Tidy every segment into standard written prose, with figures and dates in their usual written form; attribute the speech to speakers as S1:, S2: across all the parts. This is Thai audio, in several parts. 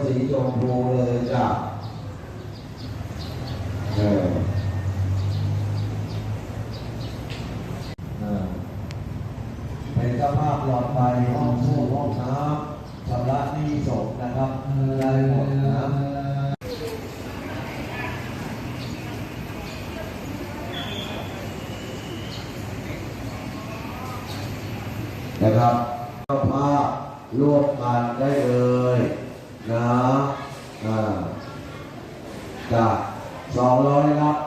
S1: สีชมพูเลยจ้ะเป็นเจ้าภาพหลอดไฟห้องส้วมห้องน้ำชำระหนี้ศพนะครับได้หมดนะครับเจ้าภาพร่วมกันได้เลยนะจาก200ครับ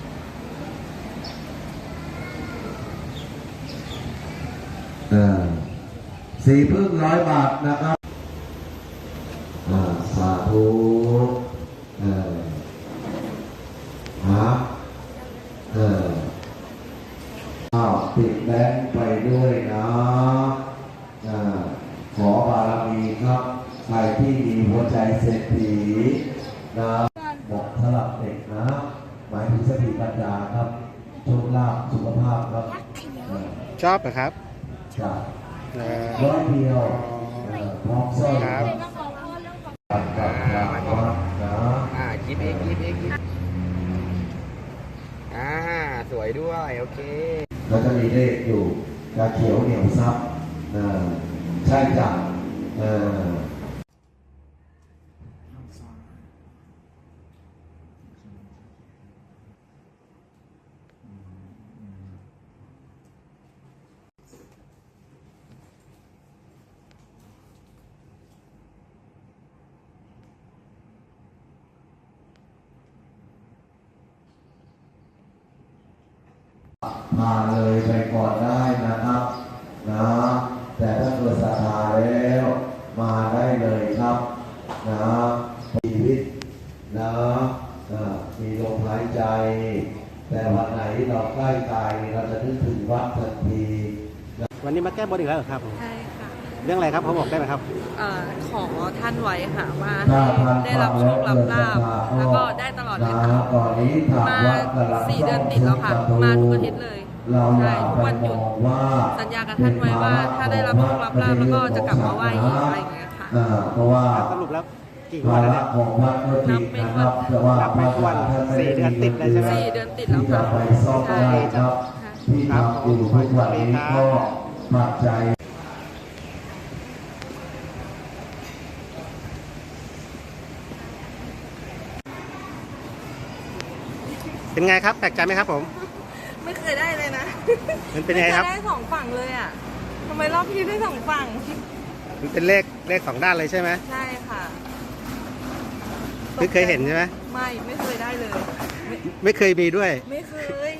S1: 400 บาทนะครับสาธุติดแบงค์ไปด้วยนะขอบารมีครับใครที่มีหัวใจเศรษฐีนะบอกสลับเด็กนะหมายถึงสติปัญญาครับโชคลาภสุขภาพครับ
S2: ชอบเหรอครับ
S1: จาก100 เดียวพร้อมสร้อยครับ
S2: คิดเองสวยด้วยโอเค
S1: แล้วจะมีเลขอยู่กาเขียวเหนียวซับใช่จ้ะมาเลยไปก่อนได้นะครับนะแต่ถ้าเกิดศรัทธาแล้วมาได้เลยครับนะชีวิตนะมีลมหายใจแต่วันไหนเราใกล้ตายเราจะนึกถึงวัดทันที
S2: วันนี้มาแก้บนอีกแล้วเหรอครับ
S3: ใช่ค่ะ
S2: เรื่องอะไรครับเขาบอกได้ไหมครับ
S3: ขอท่านไว้ค่ะว่าได้รับโชครับลาภแล้วก็ได้ตลอดเลยค่ะมา4 เดือนติดแล้วค่ะมาทุกอาทิตย์เลยใช่ทุกวันหยุดสัญญากับท่านไว้ว่าถ้าได้รับโชครับลาภแล้วก็จะกลับมาไหว้อีกอะไรอย่างเงี้ยค่ะ
S1: เพราะว่า
S2: สรุปแล้วกี่วันแล้ว
S1: นับเป็น
S2: วัน4 เดือนติดเลยใช่ไหม
S3: 4 เดือนติดแล้วค่ะ
S1: ใช่ครับที่ทำอยู่ทุกวันนี้ก็ปัจจัย
S2: เป็นไงครับแปลกใจไหมครับผม
S3: ไม่เคยได้เลยนะ
S2: มันเป็นไงครับ
S3: ได้2 ฝั่งเลยอ่ะทำไมรอบนี้ได้2 ฝั่ง
S2: มันเป็นเลข2 ด้านเลยใช่ไหม
S3: ใช่ค่ะ
S2: ไม่เคยเห็นใช่ไหม
S3: ไม่เคยได้เลย
S2: ไม่เคยมีด้วย
S3: ไม่เคย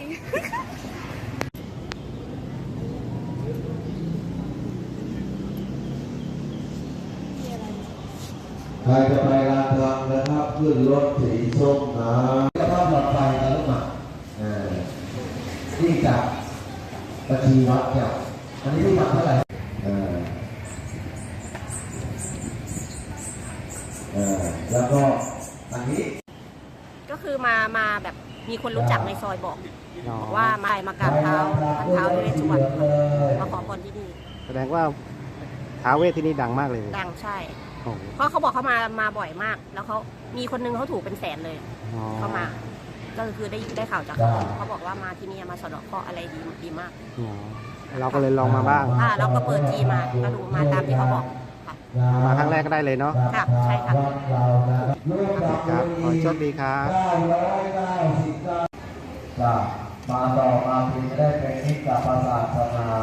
S1: ใครจะไปลานทางนะครับขึ้นรถสีส้มนะก็ต้องหลอดไฟกันลูกหมานี่จากบัญชีวัดเนี่ยอันนี้ที่วัดเท่าไหร่แล้วก็อันนี้
S3: ก็คือมาแบบมีคนรู้จักในซอยบอกว่ามากราบเท้าท่านเท้าเวสสุวรรณมาขอพรที่นี่
S2: แสดงว่าท้าวเวสที่นี่ดังมากเลย
S3: ดังใช่เพราะเขาบอกเขามาบ่อยมากแล้วเขามีคนนึงเขาถูกเป็นแสนเลยเขามาก็คือได้ข่าวจากเขาบอกว่ามาที่นี่มาสะเดาะเคราะห์อะไรดีมาก
S2: เราก็เลยลองมาบ้าง
S3: เราก็เปิดจีมาก็ดูมาตามที่เขาบอก
S2: มาครั้งแรกก็ได้เลยเนาะ
S3: ค่ะใช่ค่ะ
S2: ครับขอโชคดีครับ
S1: มาต่อมาพิมพ์ได้เป็นนิกกับศาสนา